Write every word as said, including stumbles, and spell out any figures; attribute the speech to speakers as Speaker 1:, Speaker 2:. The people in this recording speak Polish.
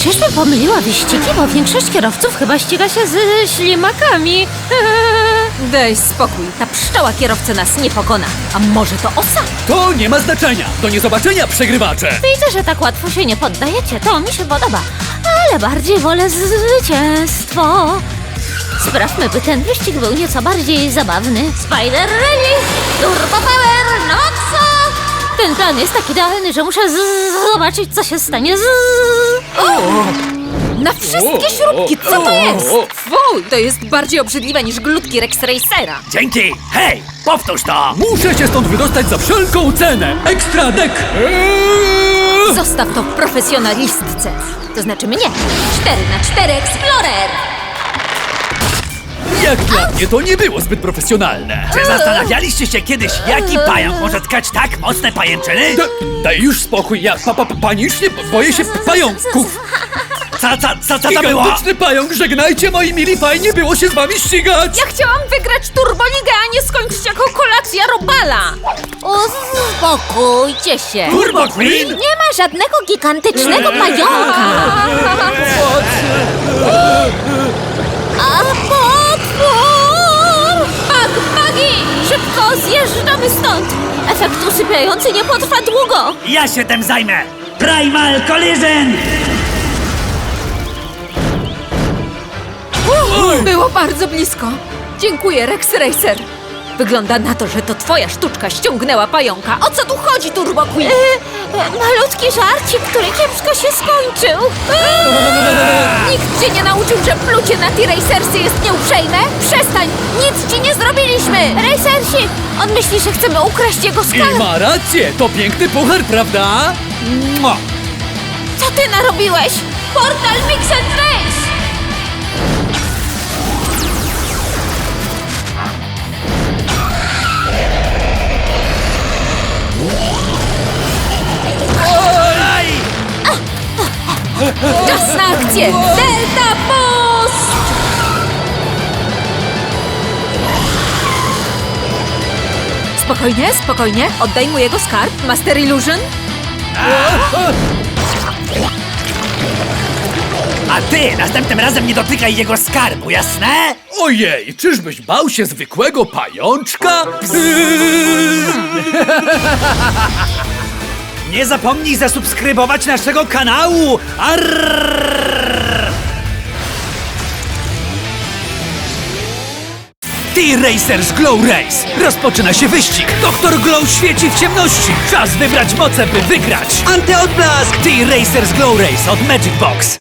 Speaker 1: Czyżby pomyliła wyścigi, bo większość kierowców chyba ściga się z ślimakami.
Speaker 2: Daj spokój, ta pszczoła kierowcę nas nie pokona. A może to osa?
Speaker 3: To nie ma znaczenia. Do niezobaczenia, przegrywacze.
Speaker 1: Widzę, że tak łatwo się nie poddajecie, to mi się podoba. Ale bardziej wolę zwycięstwo. Sprawmy, by ten wyścig był nieco bardziej zabawny. Spider Rally! Turbo Power! No co? Ten plan jest tak idealny, że muszę z- zobaczyć, co się stanie z...
Speaker 2: Na wszystkie śrubki, co to jest? Fuj, to jest bardziej obrzydliwe niż glutki Rex Racera.
Speaker 4: Dzięki! Hej, powtórz to!
Speaker 3: Muszę się stąd wydostać za wszelką cenę. Ekstra dek! Eee!
Speaker 2: Zostaw to profesjonalistce. To znaczy mnie. cztery na cztery Explorer!
Speaker 3: Jak dla mnie to nie było zbyt profesjonalne.
Speaker 4: Czy zastanawialiście się kiedyś, jaki pająk może tkać tak mocne pajęczyny?
Speaker 3: Da, daj już spokój, ja pa, pa, panicznie boję się pająków.
Speaker 4: Co, co, co, co to było?
Speaker 3: Gigantyczny pająk, żegnajcie moi mili, fajnie było się z wami ścigać.
Speaker 2: Ja chciałam wygrać Turboligę, a nie skończyć jako kolacja Robala.
Speaker 1: Uspokójcie się.
Speaker 4: Turbo Queen?
Speaker 1: Nie ma żadnego gigantycznego pająka. A potwór! Bug, bugi! Szybko zjeżdżamy stąd. Efekt usypiający nie potrwa długo.
Speaker 4: Ja się tym zajmę! Primal Collision!
Speaker 2: Było bardzo blisko. Dziękuję, Rex Racer. Wygląda na to, że to twoja sztuczka ściągnęła pająka. O co tu chodzi, Turbo Queen?
Speaker 1: E, e, malutki żarcik, który kiepsko się skończył.
Speaker 2: Nikt cię nie nauczył, że plucie na T-Racersy jest nieuprzejme? Przestań! Nic ci nie zrobiliśmy!
Speaker 1: Racersi, on myśli, że chcemy ukraść jego
Speaker 3: I
Speaker 1: skarb.
Speaker 3: ma rację, to piękny puchar, prawda? Mua.
Speaker 1: Co ty narobiłeś? Portal Mix and Race!
Speaker 2: Czas na akcję! Delta Boost! Spokojnie, spokojnie. Oddaj mu jego skarb, Master Illusion.
Speaker 4: A ty następnym razem nie dotykaj jego skarbu, jasne?
Speaker 3: Ojej, czyżbyś bał się zwykłego pajączka?
Speaker 4: Nie zapomnij zasubskrybować naszego kanału! Arrrrrrr. T-Racers Glow Race! Rozpoczyna się wyścig! Doktor Glow świeci w ciemności! Czas wybrać moce, by wygrać! Antyodblask! T-Racers Glow Race od Magic Box!